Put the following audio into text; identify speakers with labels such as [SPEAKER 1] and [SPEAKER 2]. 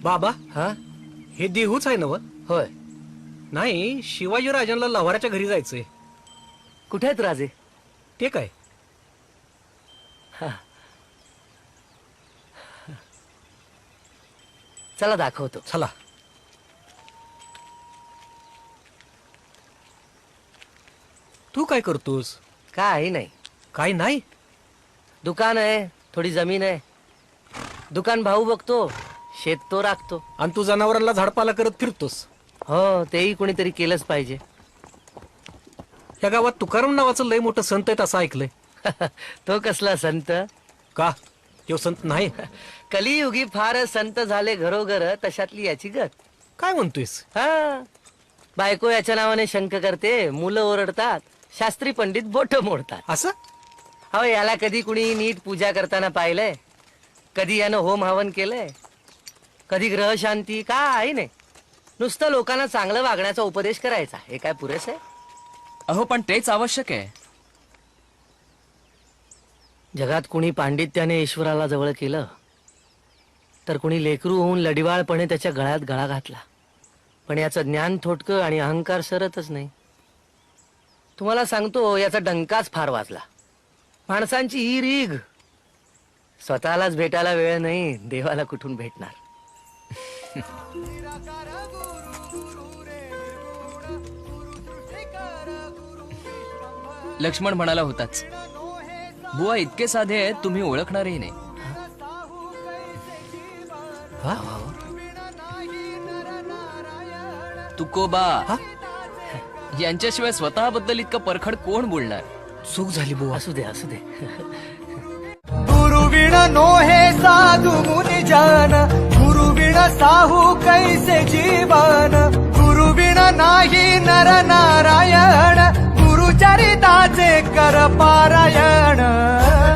[SPEAKER 1] बाबा
[SPEAKER 2] हा
[SPEAKER 1] हे देहूच आहे ना व?
[SPEAKER 2] होय.
[SPEAKER 1] नाही, शिवाजी राजांना लव्हाराच्या घरी जायचंय.
[SPEAKER 2] कुठे आहेत राजे?
[SPEAKER 1] ते काय?
[SPEAKER 2] चला दाखवतो.
[SPEAKER 1] चला. तू काय करतोस?
[SPEAKER 2] काही नाही,
[SPEAKER 1] काय नाही?
[SPEAKER 2] दुकान आहे, थोडी जमीन आहे. दुकान भाऊ बघतो, शेत तो राखतो.
[SPEAKER 1] आणि तू जनावरांना झाडपाला करत फिरतोस.
[SPEAKER 2] हो, तेही कोणीतरी केलंच पाहिजे.
[SPEAKER 1] या गावात तुकाराम नावाचं लय मोठं संत आहेत असं ऐकलंय.
[SPEAKER 2] तो कसला संत?
[SPEAKER 1] का तो संत नाही?
[SPEAKER 2] कलियुगी फार संत झाले घरोघर, तशातली याची गत.
[SPEAKER 1] काय म्हणतोयस?
[SPEAKER 2] हा, बायको याच्या नावाने शंक करते, मुलं ओरडतात, शास्त्री पंडित बोट मोडतात.
[SPEAKER 1] असं?
[SPEAKER 2] हो, याला कधी कुणी नीट पूजा करताना पाहिलंय? कधी यानं होम हवन केलंय? कधी ग्रह शांती? काय नाही, नुसतं लोकांना चांगलं वागण्याचा उपदेश करायचा. हे काय पुरेस आहे?
[SPEAKER 3] अहो पण तेच आवश्यक आहे.
[SPEAKER 2] जगात कुणी पांडित्याने ईश्वराला जवळ केलं, तर कुणी लेकरू होऊन लडिवाळपणे त्याच्या गळ्यात गळा घातला. पण याचं ज्ञान थोडकं आणि अहंकार सरतच नाही. तुम्हाला सांगतो, याचा डंकाच फार वाजला. माणसांची ही रीघ, स्वतःलाच भेटायला वेळ नाही, देवाला कुठून भेटणार?
[SPEAKER 3] लक्ष्मण म्हणाला होताच, बुवा इतके साधे आहेत तुम्ही ओळखणारही नाही. तुकोबा यांच्याशिवाय स्वतःबद्दल इतकं परखड कोण बोलणार?
[SPEAKER 1] चूक झाली बुवा.
[SPEAKER 2] असू दे, असू दे.
[SPEAKER 4] गुरुविण नोहे साधु मुनि जान, गुरुविण साहू कैसे जीवन, गुरुविण नाही नर नारायण, गुरुचरिताचे कर पारायण.